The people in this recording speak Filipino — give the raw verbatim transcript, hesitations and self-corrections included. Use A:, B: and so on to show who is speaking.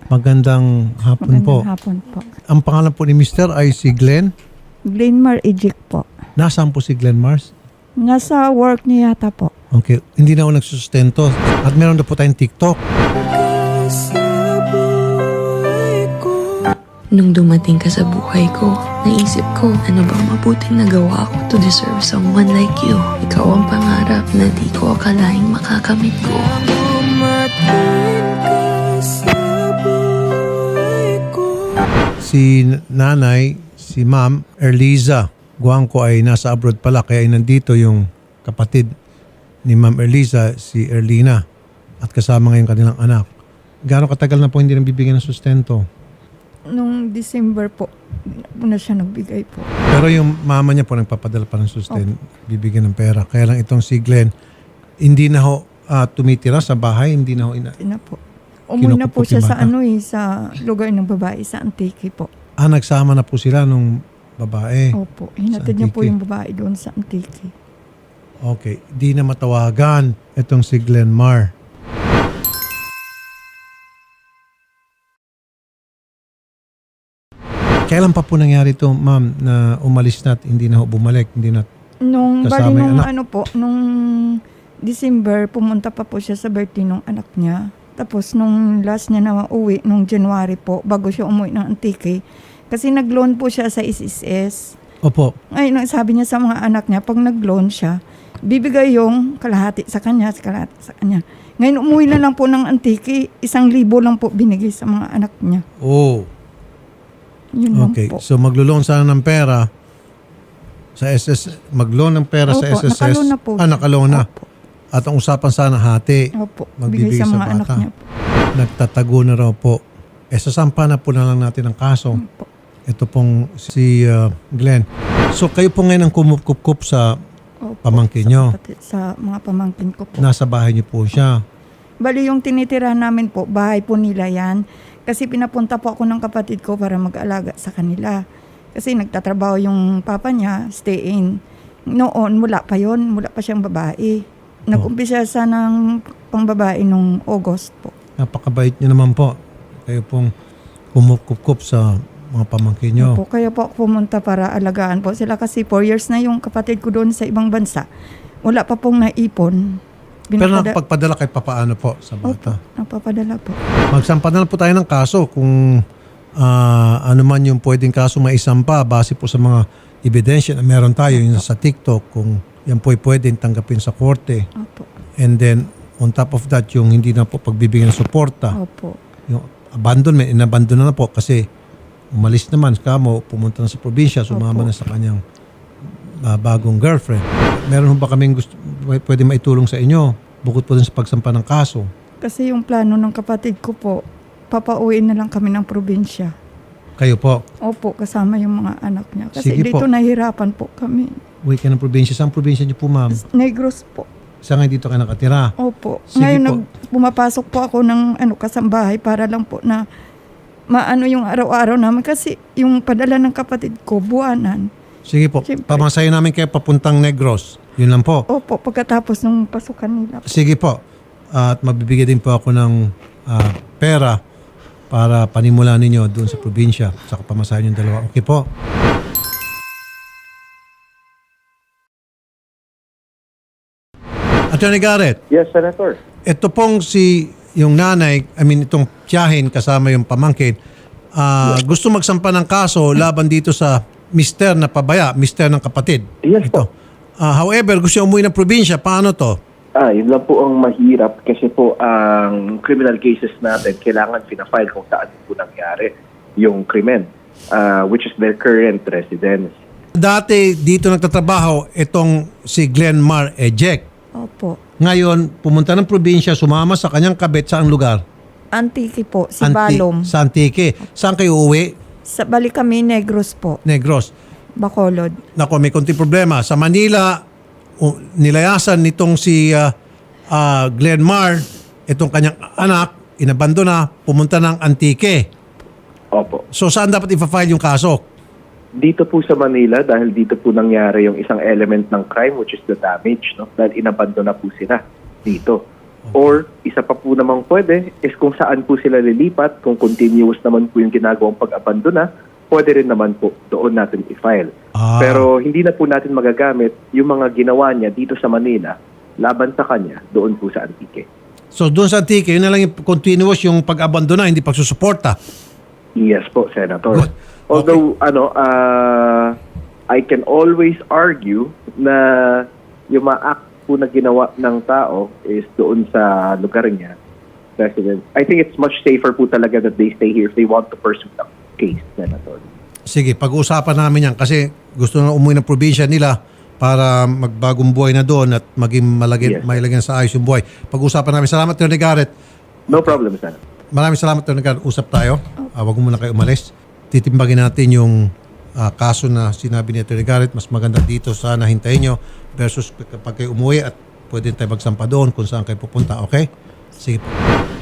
A: Magandang hapon po.
B: Magandang hapon po.
A: Ang pangalan po ni Mister ay si Glenn.
B: Glenmar Ejik po.
A: Nasaan po si Glenn Mars?
B: Nasa work niya yata po.
A: Okay, hindi na ako nagsusustento. At meron na po tayong TikTok.
C: Nung dumating ka sa buhay ko, naisip ko, ano bang mabuting nagawa ko to deserve someone like you? Ikaw ang pangarap na di ko akalaing makakamit ko.
A: Si nanay, si ma'am, Erliza Guangco ay nasa abroad pala kaya ay nandito yung kapatid ni ma'am Erliza, si Erlina at kasama ngayon kanilang anak. Gaano katagal na po hindi nang bibigyan ng sustento?
B: Nung December po, na siya nagbigay po.
A: Pero yung mama niya po nagpapadala pa ng sustento, bibigyan ng pera. Kaya lang itong si Glenn, hindi na ho ah, tumitira sa bahay, hindi na ho ina...
B: Ina po. Umuwi na po
A: Kinukupot
B: siya
A: yung
B: sa
A: bata.
B: ano eh, sa lugar ng babae, sa Antique po.
A: Ah, nagsama na po sila nung babae.
B: Opo. Hinatid niya po
A: Antique.
B: yung babae doon sa Antique.
A: Okay, di na matawagan itong si Glenn Mar. Kailan pa po nangyari ito, ma'am, na umalis na at hindi na ho bumalik, hindi na...
B: Nung,
A: Kasama
B: bali
A: yung
B: nung
A: anak.
B: ano po, nung December, pumunta pa po siya sa birthday nung anak niya. Tapos nung last niya na uwi, nung January po, bago siya umuwi ng Antique, kasi nag-loan po siya sa S S S.
A: Opo,
B: Ngayon, ang sabi niya sa mga anak niya, pag nag-loan siya, bibigay yung kalahati sa kanya, sa kalahati sa kanya. Ngayon, umuwi na lang po ng Antique, isang libo lang po binigay sa mga anak niya.
A: oh,
B: Yun lang
A: okay.
B: po.
A: So maglo-loan sana ng pera sa S S S, mag-loan ng pera sa
B: Opo,
A: S S S.
B: nakaloan na po
A: Ah,
B: siya.
A: nakaloan na.
B: Opo.
A: At ang usapan sana hati.
B: Opo,
A: Magbibigay
B: bigay sa
A: sa
B: mga anak
A: bata.
B: niya po.
A: Nagtatago na raw po. Eh, sasampa na po na lang natin ang kaso.
B: Opo.
A: Ito pong si uh, Glenn. So kayo po ngayon ang kumukup sa
B: Opo,
A: pamangkin
B: sa
A: nyo.
B: kapatid- Sa mga pamangkin ko po.
A: Nasa bahay niyo po siya.
B: Bali yung tinitira namin po, bahay po nila yan. Kasi pinapunta po ako ng kapatid ko para mag-alaga sa kanila. Kasi nagtatrabaho yung papa niya, stay in. Noon, mula pa yon, mula pa siyang babae. Nag-umpisa siya ng pangbabae nung August po.
A: Napakabait niyo naman po. Kayo pong kumukup sa mga pamangkin niyo.
B: Opo, kaya po ako pumunta para alagaan po sila kasi four years na yung kapatid ko doon sa ibang bansa. Wala pa pong naipon.
A: Pero
B: Binapada-
A: nakapagpadala kayo papaano po sa
B: Opo,
A: bata?
B: napapadala po.
A: Magsampa na lang po tayo ng kaso kung ah, ano man yung pwedeng kaso maisampa base po sa mga ebidensya na meron tayo yung sa TikTok kung yan po ay pwedeng tanggapin sa korte.
B: Opo.
A: And then on top of that yung hindi na po pagbibigyan ng suporta.
B: Opo.
A: Yung abandonment, inabandon na po kasi umalis naman kamo, pumunta na sa probinsya, sumama
B: Opo.
A: na sa kanyang ah, bagong girlfriend. Meron ho ba kaming gusto, pwede maitulong sa inyo bukod po dun sa pagsampa ng kaso?
B: Kasi yung plano ng kapatid ko po, papauwiin na lang kami ng probinsya.
A: Kayo po,
B: Opo, kasama yung mga anak niya. Kasi
A: Sige
B: dito
A: po.
B: nahihirapan po kami.
A: uwi ka ng probinsya. Saan probinsya niyo po, ma'am?
B: Negros po.
A: Saan ngayon dito ka nakatira?
B: Opo.
A: Sige
B: Ngayon
A: po.
B: nag, pumapasok po ako ng ano, kasambahay para lang po na maano yung araw-araw namin. Kasi yung padala ng kapatid ko, buwanan.
A: Sige po,
B: Siyempre.
A: pamasayo namin kayo papuntang Negros. Yun lang po.
B: Opo, pagkatapos ng pasukan nila.
A: Sige po. At mabibigyan din po ako ng ah, pera para panimulan ninyo doon sa probinsya. Saka pamasahin yung dalawa. Okay po. Attorney Garrett,
D: Yes, Senator.
A: ito pong si yung nanay, I mean itong tiyahin kasama yung pamangkin, ah, gusto magsampa ng kaso laban dito sa mister na pabaya, mister ng kapatid.
D: Yes
A: Ito.
D: po.
A: Ah, however, gusto niya umuwi ng probinsya. Paano to?
D: Ah, yun lang po ang mahirap kasi po ang criminal cases natin kailangan pinafile kung saan po nangyari yung krimen, ah, which is their current residence.
A: Dati dito nagtatrabaho itong si Glenn Mar Ejek.
B: Opo.
A: Ngayon, pumunta ng probinsya, sumama sa kanyang kabit sa lugar?
B: Antique po, si
A: Anti-
B: Balom.
A: Sa Antique. Saan kayo uwi?
B: Sa, balik kami, Negros po.
A: Negros.
B: Bacolod.
A: Nako, may konting problema. Sa Manila, uh, nilayasan nitong si uh, uh, Glenn Mar, itong kanyang anak, inabandona, pumunta ng Antique.
D: Opo.
A: So saan dapat ipa-file yung kaso?
D: Dito po sa Manila dahil dito po nangyari yung isang element ng crime which is the damage, no? Dahil inabandon na po sila dito. Or isa pa po namang pwede is kung saan po sila lilipat, kung continuous naman po yung ginagawang pag-abandona, pwede rin naman po doon natin i-file.
A: Ah.
D: Pero hindi na po natin magagamit yung mga ginawa niya dito sa Manila laban sa kanya doon po sa Antique.
A: So doon sa Antique, yun na lang yung continuous yung pag-abandona, hindi pagsusuporta.
D: Yes po, Senator.
A: Good.
D: Although, ano, uh, I can always argue na yung mga act po na ginawa ng tao is doon sa lugar niya, President. I think it's much safer po talaga that they stay here if they want to pursue the case, Senator.
A: Sige, pag-uusapan namin yan kasi gusto na umuwi ng probinsya nila para magbagong buhay na doon at maging malagyan,
D: Yes.
A: may lagyan sa ayos yung buhay. Pag-uusapan namin. Salamat, Attorney Garrett.
D: No problem, Senator.
A: Maraming salamat, Attorney Garrett. Usap tayo. Uh, wag mo muna kayo umalis. Titimbagin natin yung ah, kaso na sinabi ni Attorney Garrett. Mas maganda dito sana hintayin nyo versus kapag kayo umuwi at pwede tayo magsampa doon kung saan kayo pupunta. Okay? Sige po.